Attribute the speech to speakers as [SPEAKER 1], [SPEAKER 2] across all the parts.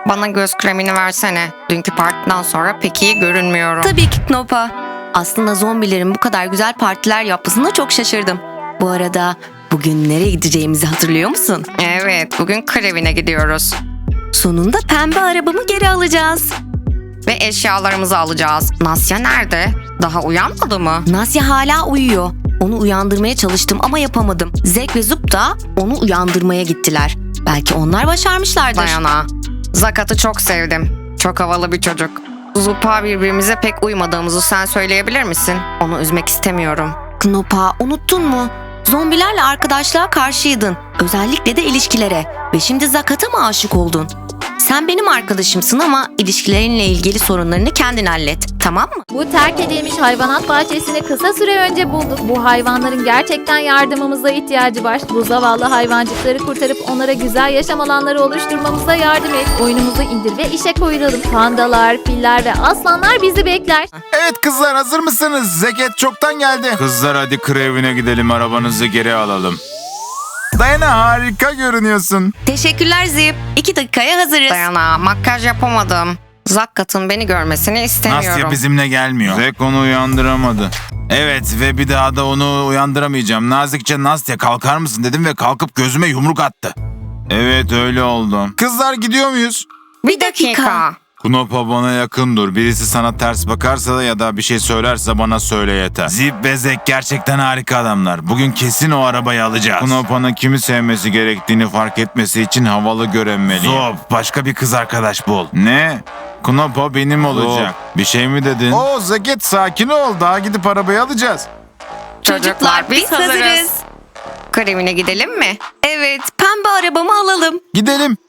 [SPEAKER 1] bana göz kremini versene. Dünkü partiden sonra pek iyi görünmüyorum.
[SPEAKER 2] Tabii ki Knopa. Aslında zombilerin bu kadar güzel partiler yapmasına çok şaşırdım. Bu arada bugün nereye gideceğimizi hatırlıyor musun?
[SPEAKER 1] Evet, bugün krevine gidiyoruz.
[SPEAKER 2] Sonunda pembe arabamı geri alacağız.
[SPEAKER 1] Ve eşyalarımızı alacağız. Nasya nerede? Daha uyanmadı mı?
[SPEAKER 2] Nasya hala uyuyor. Onu uyandırmaya çalıştım ama yapamadım. Zek ve Zup da onu uyandırmaya gittiler. Belki onlar başarmışlardır.
[SPEAKER 1] Dayana. Zakat'ı çok sevdim. Çok havalı bir çocuk. Zupa birbirimize pek uymadığımızı sen söyleyebilir misin? Onu üzmek istemiyorum.
[SPEAKER 2] Knopa, unuttun mu? Zombilerle arkadaşlığa karşıydın. Özellikle de ilişkilere. Ve şimdi Zakat'a mı aşık oldun? Sen benim arkadaşımsın ama ilişkilerinle ilgili sorunlarını kendin hallet. Tamam mı?
[SPEAKER 3] Bu terk edilmiş hayvanat bahçesini kısa süre önce bulduk. Bu hayvanların gerçekten yardımımıza ihtiyacı var. Bu zavallı hayvancıkları kurtarıp onlara güzel yaşam alanları oluşturmamıza yardım et. Oyunumuzu indir ve işe koyulalım. Pandalar, filler ve aslanlar bizi bekler.
[SPEAKER 4] Evet kızlar, hazır mısınız? Zeket çoktan geldi. Kızlar hadi krevine gidelim, arabanızı geri alalım. Dayana, harika görünüyorsun.
[SPEAKER 2] Teşekkürler Zip. 2 dakikaya hazırız.
[SPEAKER 1] Dayana, makyaj yapamadım. Zakat'ın beni görmesini istemiyorum.
[SPEAKER 4] Nasya bizimle gelmiyor. Zek onu uyandıramadı. Evet ve bir daha da onu uyandıramayacağım. Nazikçe Nastya kalkar mısın dedim ve kalkıp gözüme yumruk attı. Evet öyle oldu. Kızlar gidiyor muyuz?
[SPEAKER 1] Bir dakika.
[SPEAKER 4] Knopa bana yakın dur. Birisi sana ters bakarsa da ya da bir şey söylerse bana söyle yeter. Zip ve Zek gerçekten harika adamlar. Bugün kesin o arabayı alacağız. Knopa'nın kimi sevmesi gerektiğini fark etmesi için havalı görünmeliyim. Zop, başka bir kız arkadaş bul. Ne? Knopa benim olacak. Bir şey mi dedin? Oo Zeket, sakin ol. Daha gidip arabayı alacağız.
[SPEAKER 1] Çocuklar biz hazırız. Krevine gidelim mi?
[SPEAKER 2] Evet, pembe arabamı alalım.
[SPEAKER 4] Gidelim.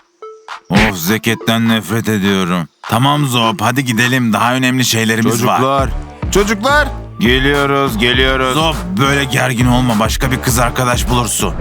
[SPEAKER 4] Of, Zeket'ten nefret ediyorum. Tamam Zop, hadi gidelim. Daha önemli şeylerimiz var. Çocuklar. Geliyoruz. Zop, böyle gergin olma. Başka bir kız arkadaş bulursun.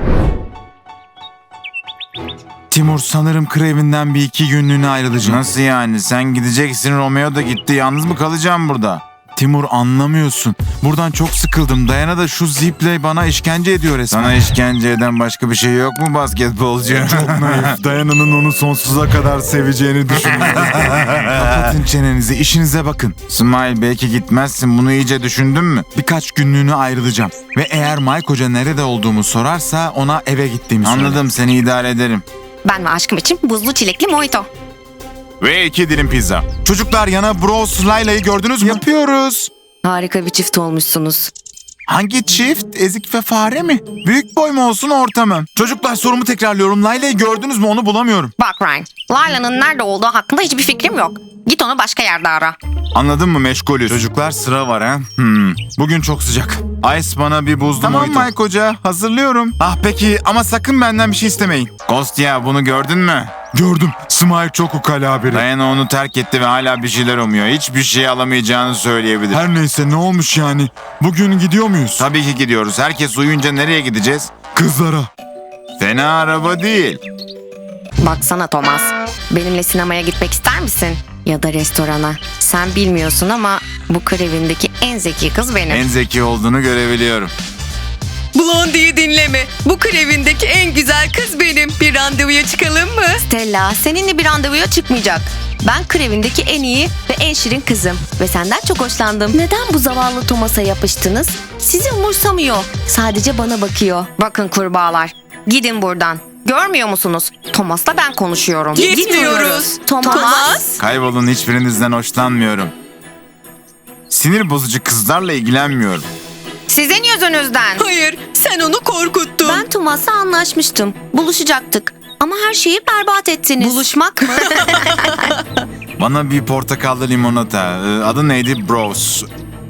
[SPEAKER 4] Timur, sanırım krevinden bir 2 günlüğüne ayrılacağım. Nasıl yani? Sen gideceksin, Romeo da gitti. Yalnız mı kalacağım burada? Timur, anlamıyorsun. Buradan çok sıkıldım. Dayana da şu ziple bana işkence ediyor resmen. Sana işkence eden başka bir şey yok mu basketbolcu? Çok naif. Dayana'nın onu sonsuza kadar seveceğini düşünüyorum. Kapatın çenenizi, işinize bakın. Smile, belki gitmezsin. Bunu iyice düşündün mü? Birkaç günlüğüne ayrılacağım. Ve eğer Mike Hoca nerede olduğumu sorarsa ona eve gittiğimi söyle. Anladım, seni idare ederim.
[SPEAKER 2] Ben ve aşkım için buzlu çilekli mojito.
[SPEAKER 4] Ve 2 dilim pizza. Çocuklar, yana Bros Layla'yı gördünüz mü? Yapıyoruz.
[SPEAKER 2] Harika bir çift olmuşsunuz.
[SPEAKER 4] Hangi çift? Ezik ve fare mi? Büyük boy mu olsun, orta mı? Çocuklar, sorumu tekrarlıyorum. Layla'yı gördünüz mü? Onu bulamıyorum.
[SPEAKER 1] Bak Ryan, Layla'nın nerede olduğu hakkında hiçbir fikrim yok. Git onu başka yerde ara.
[SPEAKER 4] Anladın mı, meşgulüz. Çocuklar, sıra var ha. Bugün çok sıcak. Ice, bana bir buzlu mojito. Tamam Mike Hoca, hazırlıyorum. Ah peki, ama sakın benden bir şey istemeyin. Ghost ya, bunu gördün mü? Gördüm. Smile çok ukala biri. Diana onu terk etti ve hala bir şeyler umuyor. Hiçbir şey alamayacağını söyleyebilir. Her neyse, ne olmuş yani? Bugün gidiyor muyuz? Tabii ki gidiyoruz. Herkes uyuyunca nereye gideceğiz? Kızlara. Fena araba değil.
[SPEAKER 1] Baksana Thomas, benimle sinemaya gitmek ister misin? Ya da restorana. Sen bilmiyorsun ama bu krevindeki en zeki kız benim.
[SPEAKER 4] En zeki olduğunu görebiliyorum.
[SPEAKER 2] Blondie'yi dinleme. Bu krevindeki en güzel kız benim. Bir randevuya çıkalım mı? Stella, seninle bir randevuya çıkmayacak. Ben krevindeki en iyi ve en şirin kızım. Ve senden çok hoşlandım. Neden bu zavallı Thomas'a yapıştınız? Sizi umursamıyor. Sadece bana bakıyor.
[SPEAKER 1] Bakın kurbağalar, gidin buradan. Görmüyor musunuz? Thomas'la ben konuşuyorum.
[SPEAKER 2] Gitmiyoruz. Thomas.
[SPEAKER 4] Kaybolun, hiçbirinizden hoşlanmıyorum. Sinir bozucu kızlarla ilgilenmiyorum.
[SPEAKER 1] Sizin yüzünüzden.
[SPEAKER 2] Hayır, sen onu korkuttun. Ben Thomas'la anlaşmıştım. Buluşacaktık. Ama her şeyi berbat ettiniz. Buluşmak mı?
[SPEAKER 4] Bana bir portakallı limonata. Adı neydi? Bros.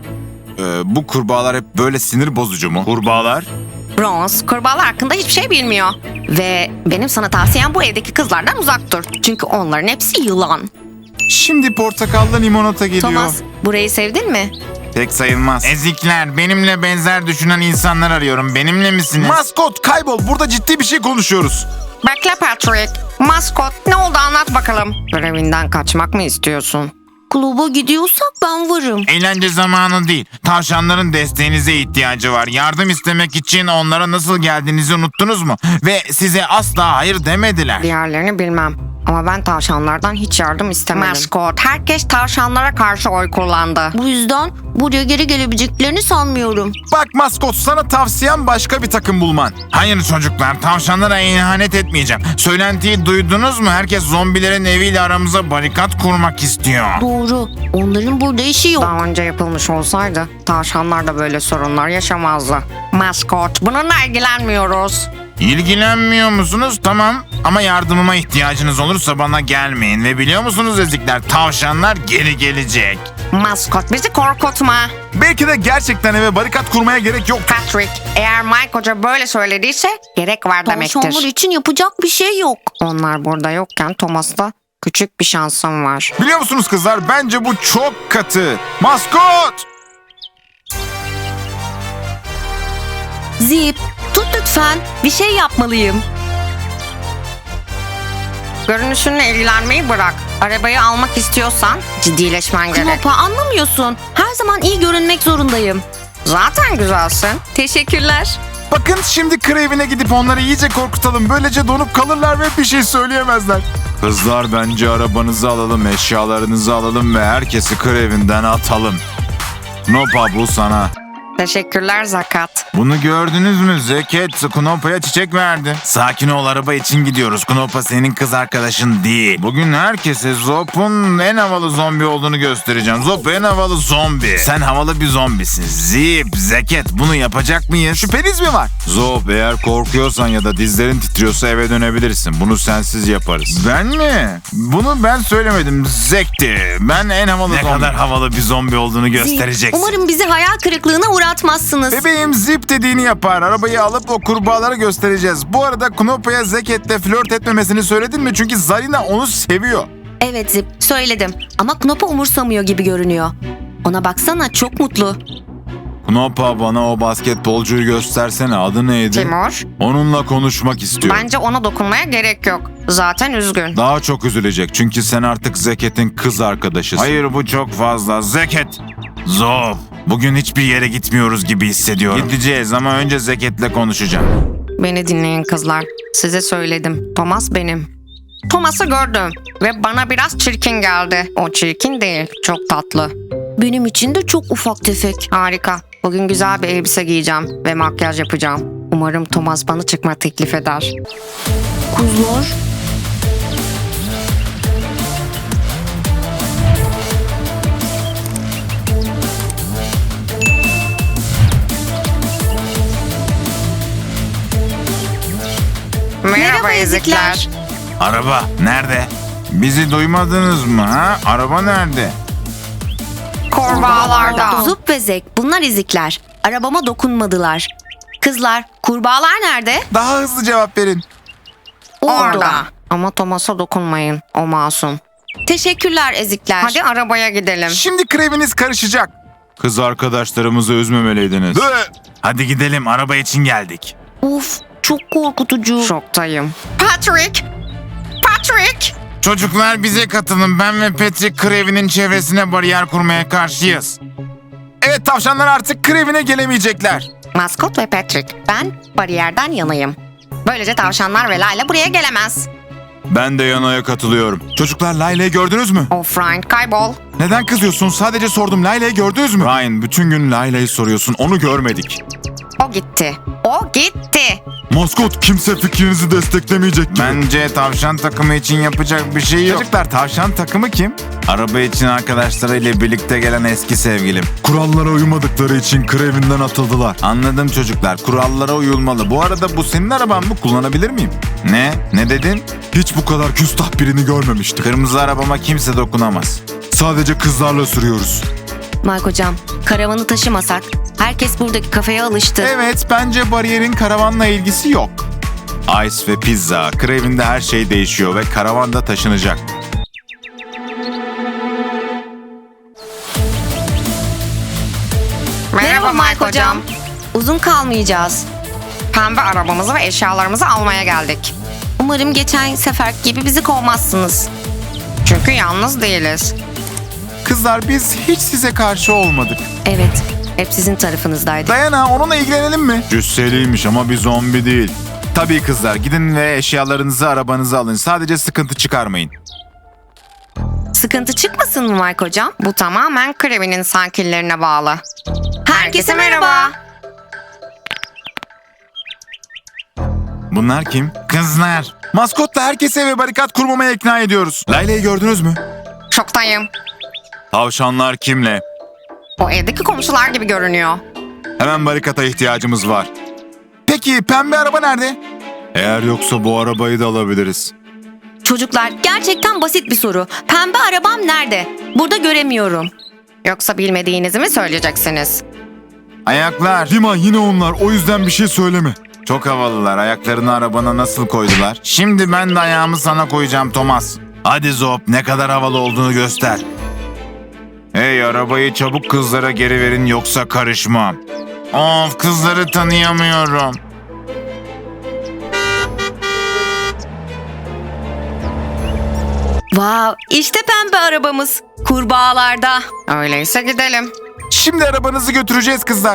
[SPEAKER 4] Bu kurbağalar hep böyle sinir bozucu mu? Kurbağalar?
[SPEAKER 1] Bronze, kurbağalar hakkında hiçbir şey bilmiyor. Ve benim sana tavsiyem bu evdeki kızlardan uzak dur. Çünkü onların hepsi yılan.
[SPEAKER 4] Şimdi portakallı limonata geliyor.
[SPEAKER 2] Thomas, burayı sevdin mi?
[SPEAKER 4] Pek sayılmaz. Ezikler, benimle benzer düşünen insanlar arıyorum. Benimle misiniz? Maskot, kaybol. Burada ciddi bir şey konuşuyoruz.
[SPEAKER 1] Bekle Patrick. Maskot, ne oldu anlat bakalım. Görevinden kaçmak mı istiyorsun?
[SPEAKER 2] Kluba gidiyorsak ben varım.
[SPEAKER 4] Eğlence zamanı değil. Tavşanların desteğinize ihtiyacı var. Yardım istemek için onlara nasıl geldiğinizi unuttunuz mu? Ve size asla hayır demediler.
[SPEAKER 1] Diğerlerini bilmem. Ama ben tavşanlardan hiç yardım istemedim. Maskot, herkes tavşanlara karşı oy kullandı.
[SPEAKER 2] Bu yüzden buraya geri gelebileceklerini sanmıyorum.
[SPEAKER 4] Bak maskot, sana tavsiyem başka bir takım bulman. Hayır çocuklar, tavşanlara ihanet etmeyeceğim. Söylentiyi duydunuz mu? Herkes zombilerin eviyle aramıza barikat kurmak istiyor.
[SPEAKER 2] Doğru. Onların burada işi yok.
[SPEAKER 1] Daha önce yapılmış olsaydı tavşanlar da böyle sorunlar yaşamazdı. Maskot, bununla ilgilenmiyoruz.
[SPEAKER 4] İlgilenmiyor musunuz? Tamam. Ama yardımıma ihtiyacınız olursa bana gelmeyin. Ve biliyor musunuz ezikler, tavşanlar geri gelecek.
[SPEAKER 1] Maskot, bizi korkutma.
[SPEAKER 4] Belki de gerçekten eve barikat kurmaya gerek yok.
[SPEAKER 1] Patrick, eğer Mike Hoca böyle söylediyse gerek var
[SPEAKER 2] Tavşanlar
[SPEAKER 1] demektir.
[SPEAKER 2] için yapacak bir şey yok.
[SPEAKER 1] Onlar burada yokken Thomas'ta küçük bir şansım var.
[SPEAKER 4] Biliyor musunuz kızlar, bence bu çok katı. Maskot!
[SPEAKER 2] Zip, tut lütfen. Bir şey yapmalıyım.
[SPEAKER 1] Görünüşünle ilgilenmeyi bırak. Arabayı almak istiyorsan ciddileşmen gerek.
[SPEAKER 2] Knopa, anlamıyorsun. Her zaman iyi görünmek zorundayım.
[SPEAKER 1] Zaten güzelsin.
[SPEAKER 2] Teşekkürler.
[SPEAKER 4] Bakın şimdi Kraven'e gidip onları iyice korkutalım. Böylece donup kalırlar ve bir şey söyleyemezler. Kızlar, bence arabanızı alalım, eşyalarınızı alalım ve herkesi Kraven'den atalım. Nopa, bu sana.
[SPEAKER 1] Teşekkürler Zakat.
[SPEAKER 4] Bunu gördünüz mü? Zeket Knopa'ya çiçek verdi. Sakin ol, araba için gidiyoruz. Knopa senin kız arkadaşın değil. Bugün herkese Zop'un en havalı zombi olduğunu göstereceğim. Zop en havalı zombi. Sen havalı bir zombisin. Zip, Zeket, bunu yapacak mıyız? Şüpheniz mi var? Zop, eğer korkuyorsan ya da dizlerin titriyorsa eve dönebilirsin. Bunu sensiz yaparız. Ben mi? Bunu ben söylemedim. Zekti. Ben en havalı zombi. Ne kadar havalı bir zombi olduğunu göstereceksin.
[SPEAKER 2] Umarım bizi hayal kırıklığına uğratmazsınız.
[SPEAKER 4] Bebeğim Zip dediğini yapar. Arabayı alıp o kurbağalara göstereceğiz. Bu arada Knopa'ya Zeket'le flört etmemesini söyledin mi? Çünkü Zarina onu seviyor.
[SPEAKER 2] Evet Zip, söyledim. Ama Knopa umursamıyor gibi görünüyor. Ona baksana, çok mutlu.
[SPEAKER 4] Knopa, bana o basketbolcuyu göstersene. Adı neydi?
[SPEAKER 1] Timur,
[SPEAKER 4] Onunla konuşmak istiyorum.
[SPEAKER 1] bence ona dokunmaya gerek yok. Zaten üzgün.
[SPEAKER 4] Daha çok üzülecek çünkü sen artık Zeket'in kız arkadaşısın. Hayır, bu çok fazla. Zeket! Zop! Bugün hiçbir yere gitmiyoruz gibi hissediyorum. Gideceğiz ama önce Zeket'le konuşacağım.
[SPEAKER 1] Beni dinleyin kızlar. Size söyledim. Thomas benim. Thomas'ı gördüm ve bana biraz çirkin geldi. O çirkin değil, çok tatlı.
[SPEAKER 2] Benim için de çok ufak tefek.
[SPEAKER 1] Harika. Bugün güzel bir elbise giyeceğim ve makyaj yapacağım. Umarım Thomas bana çıkma teklif eder.
[SPEAKER 2] Kuzlar.
[SPEAKER 1] Merhaba ezikler.
[SPEAKER 4] Araba nerede? Bizi duymadınız mı ha? Araba nerede?
[SPEAKER 1] Kurbağalarda.
[SPEAKER 2] Zup ve Zek, bunlar ezikler. Arabama dokunmadılar. Kızlar, kurbağalar nerede?
[SPEAKER 4] Daha hızlı cevap verin.
[SPEAKER 1] Orada. Ama Thomas'a dokunmayın. O masum.
[SPEAKER 2] Teşekkürler ezikler.
[SPEAKER 1] Hadi arabaya gidelim.
[SPEAKER 4] Şimdi Kraven'iniz karışacak. Kız arkadaşlarımızı üzmemeliydiniz. Hadi gidelim, araba için geldik.
[SPEAKER 2] Uf, çok korkutucu.
[SPEAKER 1] Şoktayım. Patrick! Patrick!
[SPEAKER 4] Çocuklar, bize katılın. Ben ve Patrick Kraven'in çevresine bariyer kurmaya karşıyız. Evet, tavşanlar artık Kraven'e gelemeyecekler.
[SPEAKER 1] Maskot ve Patrick. Ben bariyerden yanayım. Böylece tavşanlar ve Layla buraya gelemez.
[SPEAKER 4] Ben de Yana'ya katılıyorum. Çocuklar, Layla'yı gördünüz mü?
[SPEAKER 1] Of Ryan, kaybol.
[SPEAKER 4] Neden kızıyorsun? Sadece sordum. Layla'yı gördünüz mü? Ryan, bütün gün Layla'yı soruyorsun. Onu görmedik.
[SPEAKER 1] O gitti. O gitti.
[SPEAKER 4] Maskot, kimse fikrinizi desteklemeyecek gibi. Bence tavşan takımı için yapacak bir şey yok. Çocuklar, tavşan takımı kim? Araba için arkadaşlarıyla birlikte gelen eski sevgilim. Kurallara uymadıkları için Kraven'den atıldılar. Anladım çocuklar. Kurallara uyulmalı. Bu arada bu senin araban mı? Kullanabilir miyim? Ne? Ne dedin? Hiç bu kadar küstah birini görmemiştim. Kırmızı arabama kimse dokunamaz. Sadece kızlarla sürüyoruz.
[SPEAKER 2] Mike hocam, karavanı taşımasak. Herkes buradaki kafeye alıştı.
[SPEAKER 4] Evet, bence bariyerin karavanla ilgisi yok. Ice ve pizza. Kraven'de her şey değişiyor ve karavan da taşınacak.
[SPEAKER 1] Merhaba Mike hocam.
[SPEAKER 2] Uzun kalmayacağız.
[SPEAKER 1] Pembe arabamızı ve eşyalarımızı almaya geldik.
[SPEAKER 2] Umarım geçen sefer gibi bizi kovmazsınız.
[SPEAKER 1] Çünkü yalnız değiliz.
[SPEAKER 4] Kızlar, biz hiç size karşı olmadık.
[SPEAKER 2] Evet, hep sizin tarafınızdaydık.
[SPEAKER 4] Dayana, onunla ilgilenelim mi? Cüsseliymiş ama bir zombi değil. Tabii kızlar, gidin ve eşyalarınızı arabanıza alın. Sadece sıkıntı çıkarmayın.
[SPEAKER 1] Sıkıntı çıkmasın mı Mike hocam? Bu tamamen Krevi'nin sakinlerine bağlı. Herkese merhaba.
[SPEAKER 4] Bunlar kim? Kızlar. Maskotla herkesi eve barikat kurmamaya ikna ediyoruz. Layla'yı gördünüz mü?
[SPEAKER 1] Şoktayım.
[SPEAKER 4] Tavşanlar kimle?
[SPEAKER 1] O evdeki komşular gibi görünüyor.
[SPEAKER 4] Hemen barikata ihtiyacımız var. Peki pembe araba nerede? Eğer yoksa bu arabayı da alabiliriz.
[SPEAKER 2] Çocuklar, gerçekten basit bir soru. Pembe arabam nerede? Burada göremiyorum.
[SPEAKER 1] Yoksa bilmediğinizi mi söyleyeceksiniz?
[SPEAKER 4] Ayaklar. Dima yine onlar, o yüzden bir şey söyleme. Çok havalılar, ayaklarını arabana nasıl koydular? Şimdi ben de ayağımı sana koyacağım Thomas. Hadi Zop, ne kadar havalı olduğunu göster. Hey, arabayı çabuk kızlara geri verin yoksa karışmam. Of, kızları tanıyamıyorum.
[SPEAKER 2] Vav, işte pembe arabamız. Kurbağalarda.
[SPEAKER 1] Öyleyse gidelim.
[SPEAKER 4] Şimdi arabanızı götüreceğiz kızlar.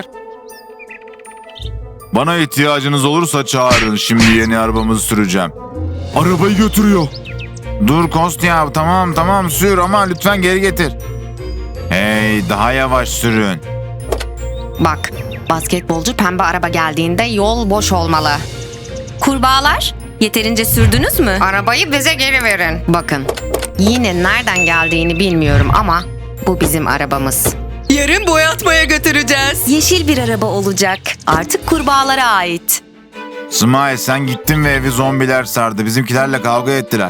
[SPEAKER 4] Bana ihtiyacınız olursa çağırın. Şimdi yeni arabamızı süreceğim. Arabayı götürüyor. Dur Kostya, tamam sür ama lütfen geri getir. Hey, daha yavaş sürün.
[SPEAKER 1] Bak, basketbolcu pembe araba geldiğinde yol boş olmalı.
[SPEAKER 2] Kurbağalar, yeterince sürdünüz mü?
[SPEAKER 1] Arabayı bize geri verin. Bakın, yine nereden geldiğini bilmiyorum ama bu bizim arabamız.
[SPEAKER 2] Yarın boyatmaya götüreceğiz. Yeşil bir araba olacak. Artık kurbağalara ait.
[SPEAKER 4] Smile, sen gittin ve evi zombiler sardı. Bizimkilerle kavga ettiler.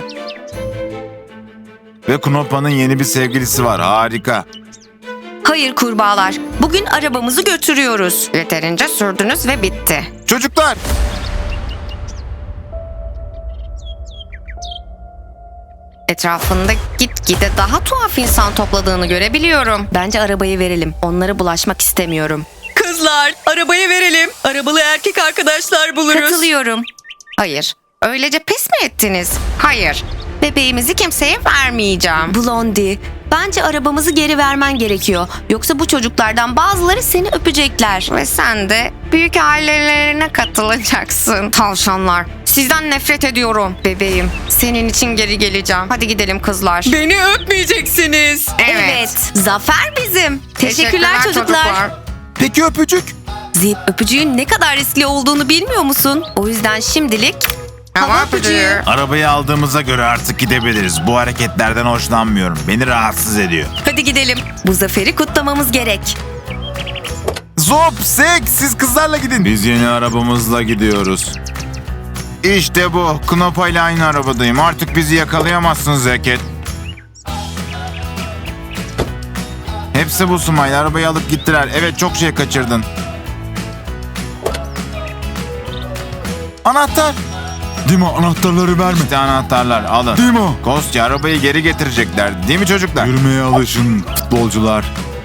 [SPEAKER 4] Ve Knopa'nın yeni bir sevgilisi var. Harika.
[SPEAKER 2] Hayır kurbağalar, bugün arabamızı götürüyoruz.
[SPEAKER 1] Yeterince sürdünüz ve bitti.
[SPEAKER 4] Çocuklar!
[SPEAKER 1] Etrafında gitgide daha tuhaf insan topladığını görebiliyorum.
[SPEAKER 2] Bence arabayı verelim. Onlara bulaşmak istemiyorum.
[SPEAKER 5] Kızlar, arabayı verelim. Arabalı erkek arkadaşlar buluruz.
[SPEAKER 2] Katılıyorum.
[SPEAKER 1] Hayır, öylece pes mi ettiniz? Hayır, bebeğimizi kimseye vermeyeceğim.
[SPEAKER 2] Blondie, bence arabamızı geri vermen gerekiyor. Yoksa bu çocuklardan bazıları seni öpecekler.
[SPEAKER 1] Ve sen de büyük ailelerine katılacaksın. Tavşanlar, sizden nefret ediyorum. Bebeğim, senin için geri geleceğim. Hadi gidelim kızlar.
[SPEAKER 5] Beni öpmeyeceksiniz.
[SPEAKER 1] Evet.
[SPEAKER 2] Zafer bizim. Teşekkürler çocuklar.
[SPEAKER 4] Peki öpücük?
[SPEAKER 2] Zip, öpücüğün ne kadar riskli olduğunu bilmiyor musun? O yüzden şimdilik
[SPEAKER 1] Hava öpücüğü.
[SPEAKER 4] Arabayı aldığımıza göre artık gidebiliriz. Bu hareketlerden hoşlanmıyorum. Beni rahatsız ediyor.
[SPEAKER 2] hadi gidelim. Bu zaferi kutlamamız gerek.
[SPEAKER 4] Zop, Sek, siz kızlarla gidin. Biz yeni arabamızla gidiyoruz. İşte bu. Knopa ile aynı arabadayım. Artık bizi yakalayamazsın Zeket. Hepsi bu Smile. Arabayı alıp gittiler. Evet, çok şey kaçırdın. Anahtar.
[SPEAKER 6] Dima, anahtarları verme.
[SPEAKER 4] İşte anahtarlar, alın.
[SPEAKER 6] Dima.
[SPEAKER 4] Kostya, arabayı geri getirecekler. Değil mi çocuklar?
[SPEAKER 6] Yürümeye alışın futbolcular.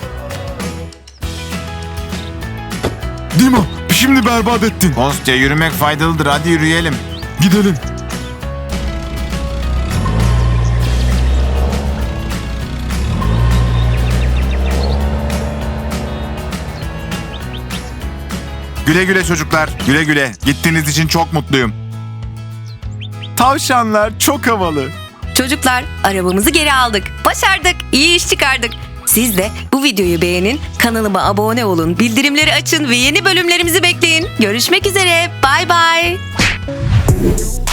[SPEAKER 6] Dima, şimdi berbat ettin.
[SPEAKER 4] Kostya, yürümek faydalıdır. Hadi yürüyelim.
[SPEAKER 6] Gidelim.
[SPEAKER 4] Güle güle çocuklar. Güle güle. Gittiğiniz için çok mutluyum. Tavşanlar çok havalı.
[SPEAKER 2] Çocuklar, arabamızı geri aldık. Başardık. İyi iş çıkardık. Siz de bu videoyu beğenin, kanalıma abone olun, bildirimleri açın ve yeni bölümlerimizi bekleyin. Görüşmek üzere. Bay bay.